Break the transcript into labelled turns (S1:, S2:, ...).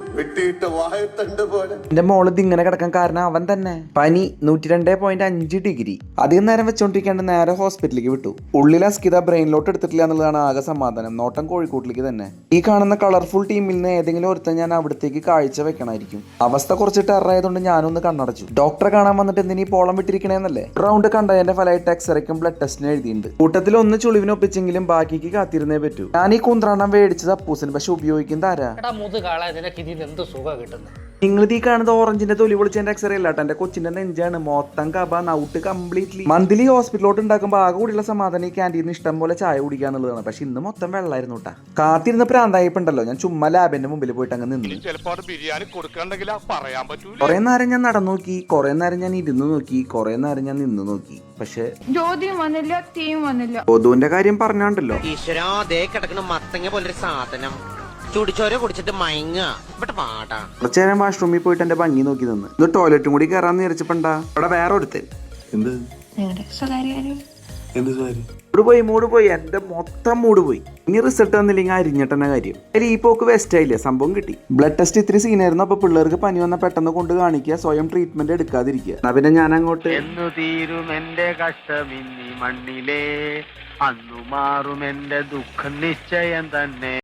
S1: വെട്ടിയിട്ട വാഴത്തണ്ട് പോലെ.
S2: എന്റെ മോള് ഇങ്ങനെ കിടക്കാൻ കാരണം അവൻ തന്നെ. പനി 102.5 ഡിഗ്രി. അധികം നേരം വെച്ചോണ്ടിരിക്കാണ്ട് നേരെ ഹോസ്പിറ്റലിലേക്ക് വിട്ടു. ഉള്ളിൽ അസ്കിത ബ്രെയിനിലോട്ട് എടുത്തിട്ടില്ല എന്നുള്ളതാണ് ആകെ സമാധാനം. നോട്ടം കോഴിക്കോട്ടിലേക്ക് തന്നെ. ഈ കാണുന്ന കളർഫുൾ ടീമിൽ നിന്ന് ഏതെങ്കിലും ഒരുത്തൻ ഞാൻ അവിടത്തേക്ക് കാഴ്ച വെക്കണമായിരിക്കും. അവസ്ഥ കുറച്ച് ടെററായതുകൊണ്ട് ഞാനൊന്ന് കണ്ണടച്ചു. ഡോക്ടറെ കാണാൻ വന്നിട്ട് എന്തിനീ പോളം വിട്ടിരിക്കണേന്നല്ലേ. റൗണ്ട് കണ്ടതിന്റെ ഫലമായിട്ട് എക്സ്റേക്കും ബ്ലഡ് ടെസ്റ്റിനും എഴുതിയിട്ടുണ്ട്. കൂട്ടത്തിൽ ഒന്ന് ചുളിവിനൊപ്പിച്ചെങ്കിലും ബാക്കിക്ക് കാത്തിരുന്നേ പറ്റൂ. ഞാൻ ഈ കുന്ത്രാണ്ടം മേടിച്ചത് അപ്പൂസിന്, പക്ഷെ ഉപയോഗിക്കുന്നത് ആരാ? നിങ്ങൾ ഈ കാണുന്നത് ഓറഞ്ചിന്റെ തൊലി പൊളിച്ചതിന്റെ എക്സ്റേ അല്ല കേട്ടോ, എന്റെ കൊച്ചിന്റെ നെഞ്ചാണ്. മൊത്തം കബ നൗട്ട് കംപ്ലീറ്റ്ലി. മന്ത്ലി ഹോസ്പിറ്റലോട്ട് ഉണ്ടാക്കുമ്പോൾ ആകെ കൂടിയുള്ള സമാധാനം ഈ ക്യാൻറ്റീനിൽ ഇഷ്ടം പോലെ ചായ കുടിക്കാന്നുള്ളതാണ്. പക്ഷെ ഇന്ന് മൊത്തം വെള്ളമായിരുന്നു കേട്ടാ. കാത്തിരുന്ന പ്രാന്തായിപ്പുണ്ടല്ലോ, ഞാൻ ചുമ്മാ ലാബിന്റെ മുമ്പിൽ പോയിട്ട് അങ്ങ് നിന്ന്. കുറെ നേരം ഞാൻ നടന്നു നോക്കി, കുറെ നേരം ഞാൻ ഇരുന്ന് നോക്കി, കുറെ നേരം ഞാൻ നിന്ന് നോക്കി. പക്ഷെ ഒതുവിന്റെ കാര്യം പറഞ്ഞാണ്ടല്ലോ,
S3: ചുടിച്ചോര കുടിച്ചിട്ട് മയങ്ങ പാടാ.
S2: കുറച്ചു നേരം വാഷ്റൂമിൽ പോയിട്ട് എന്റെ ഭംഗി നോക്കി നിന്ന്. ഇന്ന് ടോയ്ലറ്റും കൂടി കയറാന്ന് വിചാരിച്ചപ്പോണ്ടാ അവിടെ വേറെ ഒരുത്തൻ. മൂട് പോയി എന്റെ മൊത്തം മൂട് പോയി. ഇനി റിസൾട്ട് വന്നില്ലെങ്കിൽ അരിഞ്ഞിട്ടെന്ന കാര്യം. അതിൽ ഈ പോക്ക് വേസ്റ്റ് ആയില്ലേ, സംഭവം കിട്ടി. ബ്ലഡ് ടെസ്റ്റ് ഇത്തിരി സീനായിരുന്നു. അപ്പൊ പിള്ളേർക്ക് പനി വന്ന പെട്ടെന്ന് കൊണ്ട് കാണിക്കുക, സ്വയം ട്രീറ്റ്മെന്റ് എടുക്കാതിരിക്കുക. എന്നാ പിന്നെ ഞാൻ അങ്ങോട്ട്
S4: എന്നു തീരും എന്റെ കഷ്ടമിന്നി മണ്ണിലേ, അന്നു മാറും എന്റെ ദുഃഖം നിശ്ചയം തന്നെ.